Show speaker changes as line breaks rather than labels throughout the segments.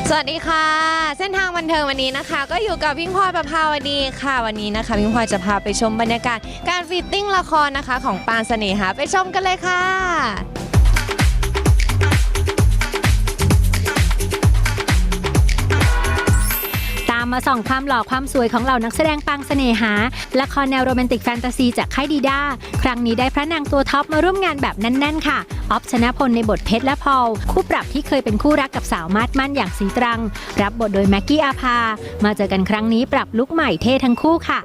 สวัสดีค่ะเส้นทางบันเทิงวันนี้นะคะก็อยู่กับพิงพลอยประภาวดีค่ะวันนี้นะคะพิงพลอยจะพาไปชมบรรยากาศการฟิตติ้งละครนะคะของปางเสน่หาไปชมกันเลยค่ะ
ตามมาส่องความหล่อความสวยของเหล่านักแสดงปางเสน่หาละครแนวโรแมนติกแฟนตาซีจากค่ายดีด้าครั้งนี้ได้พระนางตัวท็อปมาร่วมงานแบบแน่นๆค่ะออฟชนะพลในบทเพชรและพอลคู่ปรับที่เคยเป็นคู่รักกับสาวมาดมั่นอย่างสีตรังรับบทโดยแม็กกี้อาภามาเจอกันครั้งนี้ปรับลุคใหม่เท่ทั้งคู่ค่ะ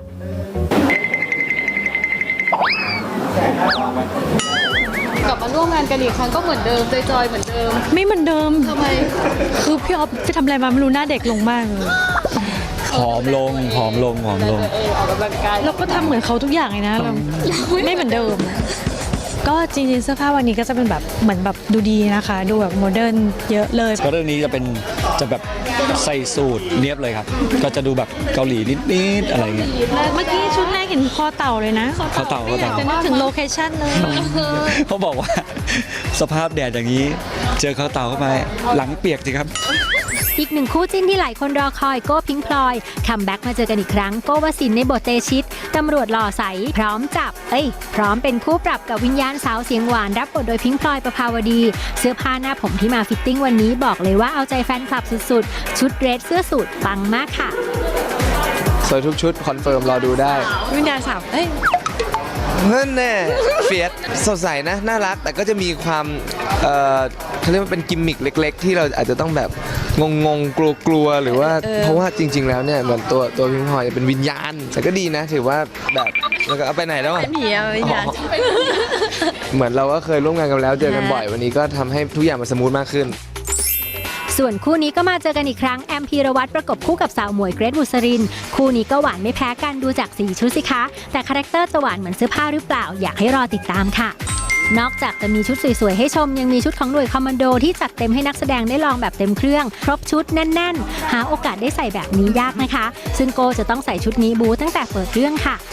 กลับมาร่วมงานกันอีกครั้งก็เหมือนเดิมจอยๆเหมือนเดิม
ไม่เหมือนเดิม
ทำไม
คือพี่ออฟไปทำอะไรมาไม่รู้หน้าเด็กลงมากเลย
ผอมลง
ออกกำลังกาย
เราก็ทำเหมือนเขาทุกอย่างเลยนะเราไม่เหมือนเดิม ก็จริงๆเสื้อผ้าวันนี้ก็จะเป็นแบบเหมือนแบบดูดีนะคะ ดูแบบโมเดิร์นเยอะเลย
ก็เรื่องนี้จะแบบใส่สูทเนียบเลยครับ ก็จะดูแบบเกาหลีนิดๆอะไรเงี้ย
เมื่อกี้ชุดแรกเห็นคอเต่าเลยนะ
เขาเต่า
จะนึกถึงโลเคชั่นเลย
เขาบอกว่า สภาพแดดอย่างนี้ เจอเขาเต่าเข้าไปหลังเปียกสิครับ
อีกหนึ่งคู่จิ้นที่หลายคนรอคอยโก้พิงค์พลอยคัมแบ็กมาเจอกันอีกครั้งโก้วสินในบทเตชิตตำรวจหล่อใสพร้อมเป็นคู่ปรับกับวิญญาณสาวเสียงหวานรับบทโดยพิงค์พลอยประภาวดีเสื้อผ้าหน้าผมที่มาฟิตติ้งวันนี้บอกเลยว่าเอาใจแฟนคลับสุดๆชุดเดรสเสื้อสูทปังมากค่ะ
สวยทุกชุดคอนเฟิร์มรอดูได้
วิญญาณสาว
นั่นแน่เฟียสสดใสนะน่ารักแต่ก็จะมีความเขาเรียกว่าเป็นกิมมิคเล็กๆ ที่เราอาจจะต้องแบบงงๆกลัวๆหรือว่าเพราะว่าจริง ๆ แล้วเนี่ยเหมือนตัวพิงพลอยเป็นวิญญาณแต่ก็ดีนะถือว่าแบบแล้วก็เอาไปไหนแล้วอะ
ผีวิญญาณ
เหมือนเราก็เคยร่วมงานกันแล้วเจอกันบ่อยวันนี้ก็ทำให้ทุกอย่างมันสมูทมากขึ้น
ส่วนคู่นี้ก็มาเจอกันอีกครั้งแอมพีรวัตรประกบคู่กับสาวหมวยเกรทบุษรินคู่นี้ก็หวานไม่แพ้กันดูจากสีชุดสิคะแต่คาแรคเตอร์จะหวานเหมือนเสื้อผ้าหรือเปล่าอยากให้รอติดตามค่ะนอกจากจะมีชุดสวยๆให้ชมยังมีชุดของหน่วยคอมมานโดที่จัดเต็มให้นักแสดงได้ลองแบบเต็มเครื่องครบชุดแน่นๆหาโอกาสได้ใส่แบบนี้ยากนะคะซึ่งโกจะต้องใส่ชุดนี้บูตั้งแต่เปิดเรื่องค่ะ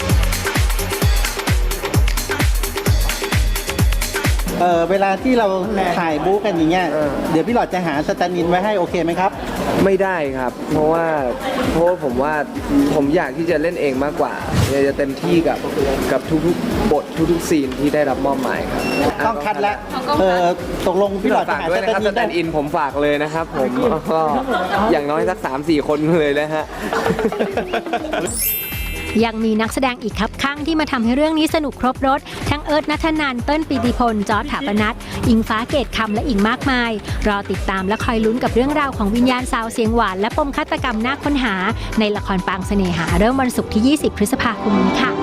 เวลาที่เราถ่ายบู๊กันอย่างเงี้ยเดี๋ยวพี่หลอดจะหาสแตนด์อินไว้ให้โอเคไหมครับ
ไม่ได้ครับเพราะว่าผมว่าผมอยากที่จะเล่นเองมากกว่าอยากจะเต็มที่กับทุกๆบททุกๆซีนที่ได้รับมอบหมายครับ
ต้องคัดแล้วตกลงพี่หลอดจะ
ฝาก
หา
ด้ว
ส
ย
แต
นะ
น
ครับ
ด์อิน
สแต
ได้
นด์อินผมฝากเลยนะครับผมก็อย่างน้อยสัก 3-4 คนเลยนะฮะ
ยังมีนักแสดงอีกครับข้างที่มาทำให้เรื่องนี้สนุกครบรถทั้งเอิร์ธณัฐนันท์เติ้ลปิติพลจอร์จถาปนัสอิงฟ้าเกตคำและอีกมากมายรอติดตามและคอยลุ้นกับเรื่องราวของวิญญาณสาวเสียงหวานและปมฆาตกรรมน่าค้นหาในละครปางเสน่หาเริ่มวันศุกร์ที่ 20 พฤษภาคมนี้ค่ะ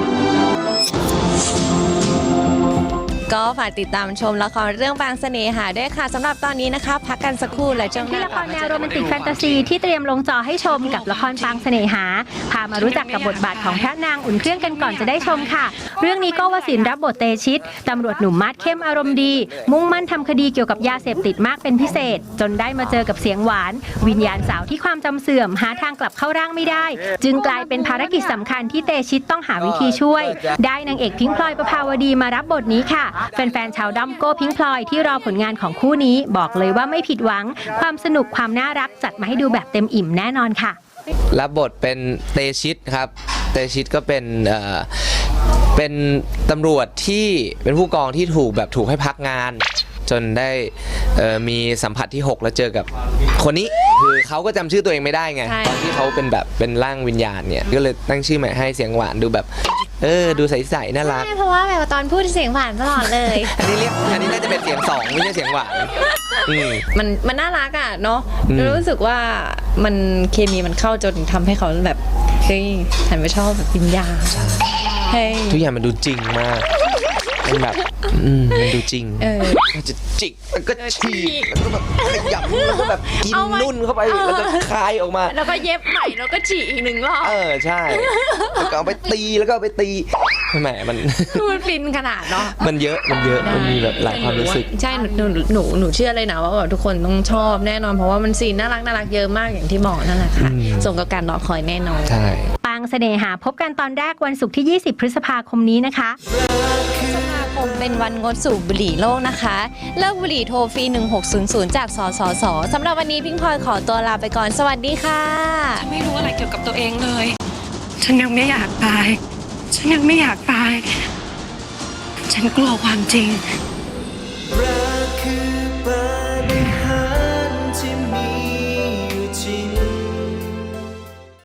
ก็ฝากติดตามชมละครเรื่องปางเสน่หาด้วยค่ะสำหรับตอนนี้นะคะพักกันสักครู่และช่วงห
ที่
น้า
ละครแนวโรแมนติกแฟนตาซีที่เตรียมลงจอให้ชมกับละครปางเสน่หาพามารู้จักกับบทบาทของพระนางอุ่นเครื่องกันก่อนจะได้ชมค่ะเรื่องนี้ก็วสินรับบทเตชิตตำรวจหนุ่มมาดเข้มอารมณ์ดีมุ่งมั่นทำคดีเกี่ยวกับยาเสพติดมากเป็นพิเศษจนได้มาเจอกับเสียงหวานวิญญาณสาวที่ความจำเสื่อมหาทางกลับเข้าร่างไม่ได้จึงกลายเป็นภารกิจสำคัญที่เตชิตต้องหาวิธีช่วยได้นางเอกพิงค์พลอยประภาวดีมารับบทนี้ค่ะแฟนๆชาวด้อมโก้พิงค์พลอยที่รอผลงานของคู่นี้บอกเลยว่าไม่ผิดหวังความสนุกความน่ารักจัดมาให้ดูแบบเต็มอิ่มแน่นอนค่ะ
รับบทเป็นเตชิตครับเตชิตก็เป็นตำรวจที่เป็นผู้กองที่ถูกให้พักงานจนได้มีสัมผัสที่ 6 แล้วเจอกับคนนี้คือเขาก็จำชื่อตัวเองไม่ได้ไงตอนที่เขาเป็นร่างวิญญาณเนี่ยก็เลยตั้งชื่อใหม่ให้เสียงหวานดูแบบดูใสๆน่ารัก
เพราะว่าแบบตอนพูดเสียงหวานตลอดเลย
อันนี้น่าจะเป็นเสียง2ไม่ใช่เสียงหวาน
มันน่ารักอ่ะเนาะรู้สึกว่ามันเคมีมันเข้าจนทำให้เขาแบบเฮ้ยหันไปชอบแบบวิญญาณ
ทุกอย่างมันดูจริงมากมันแบบมันดูจริงมันจะจิกแล้วก็ฉีกแล้วก็แบบขยับแล้วก็แบบกินนุ่นเข้าไปแล้วก็คายออกมา
แล้วก็เย็บใหม่แล้วก็ฉีกอีก1 รอบ
ใช่แล้วก็เอาไปตีแล้วก็เอาไปตีแหมมัน
ฟินขนาดเนาะ
มันเยอะมันมีแบบหลายความรู้สึก
ใช่หนูเชื่อเลยนะว่าแบบทุกคนต้องชอบแน่นอนเพราะว่ามันซีนน่ารักเยอะมากอย่างที่บอกนั่นแหละค่ะสมกับการรอคอยแน่นอน
ใช่
ปางเสน่หาพบกันตอนแรกวันศุกร์ที่ 20 พฤษภาคมนี้นะคะ
ผมเป็นเป็นวันงดสูบบุหรี่โลกนะคะเลิกบุหรี่โทรฟรี1600จากสสสสำหรับวันนี้พิงพลอยขอตัวลาไปก่อนสวัสดีค่ะ
ฉันไม่รู้อะไรเกี่ยวกับตัวเองเลย ฉันยังไม่อยากตาย ฉันยังไม่อยากตาย ฉันกลัวความจริง
รักคือปาฏิหาริย์ที่มี